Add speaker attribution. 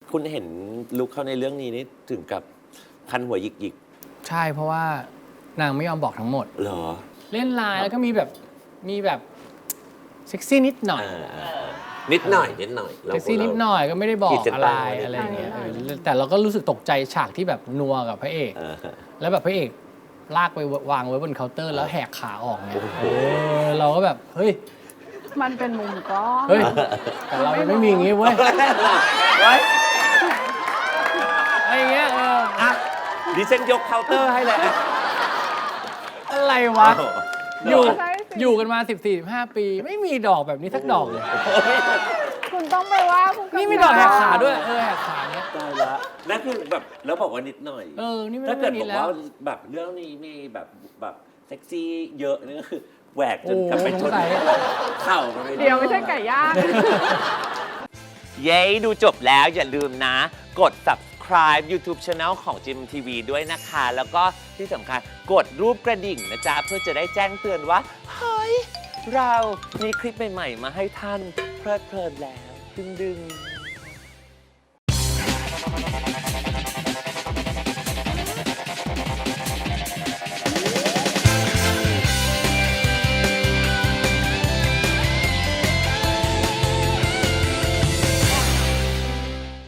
Speaker 1: คุณเห็นลุคเขาในเรื่องนี้นี่ถึงกับคันหัวหยิก
Speaker 2: ใช่เพราะว่านางไม่ยอมบอกทั้งหมด
Speaker 1: ๆเหรอ
Speaker 2: เล่นไลน์แล้วก็มีแบบเซ็กซี่นิดหน่อย
Speaker 1: นิดหน่อย
Speaker 2: เซ็กซี่นิดหน่อยก็ไม่ได้บอก
Speaker 1: ขีดเส้น
Speaker 2: อะไร
Speaker 1: ใต้
Speaker 2: อะไรอย่างเงี้ยแต่เราก็รู้สึกตกใจฉากที่แบบนัวกับพระเอก แล้วแบบพระเอกลากไปวางไว้บนเคาน์เตอร์แล้วแหกขาออกเนี่ยเราก็แบบเฮ้ย
Speaker 3: มันเป็นมุมกล้อง
Speaker 2: เฮ้ยแต่เรายังไม่มีอย่างงี้เว้ย
Speaker 1: ไว้
Speaker 2: อะไรอย่างเงี้ย
Speaker 1: อ่ะดิฉันยกเคาน์เตอร์ให้เลยอ่ะ
Speaker 2: อะไรวะ อยู่
Speaker 3: ใช่สิ
Speaker 2: อยู่กันมา 14-15 ปี ไม่มีดอกแบบนี้สักดอกเลย
Speaker 3: คุณต้องไปว่าคุณ
Speaker 2: นี่มีดอกแหกขาด้วยแหกขาเนี้ย
Speaker 1: ตายละนั่นคือแบบแล้วบอกว่านิดหน่อย
Speaker 2: นี่ไม่
Speaker 1: ถ้า
Speaker 2: ได้
Speaker 1: เกิด
Speaker 2: นิ
Speaker 1: บ
Speaker 2: ด
Speaker 1: อก
Speaker 2: แล้ว
Speaker 1: ว่าแบบเรื่องนี้มีแบบเซ็กซี่เยอะนี่ก็คือแหวกจนกลับไปชน
Speaker 2: โอ้โหสงสัย
Speaker 1: เข่ากันไป
Speaker 3: เดี๋ยวไม่ใช่ไก่ย่าง
Speaker 1: เย้ดูจบแล้วอย่าลืมนะ กด subscribe YouTube Channel ของ GMMTV ด้วยนะคะ แล้วก็ที่สำคัญกดรูปกระดิ่งนะจ๊ะ เพื่อจะได้แจ้งเตือนว่า เฮ้ย เรามีคลิปใหม่ ๆ มาให้ท่านเพลิดเพลินแล้ว ดึงๆ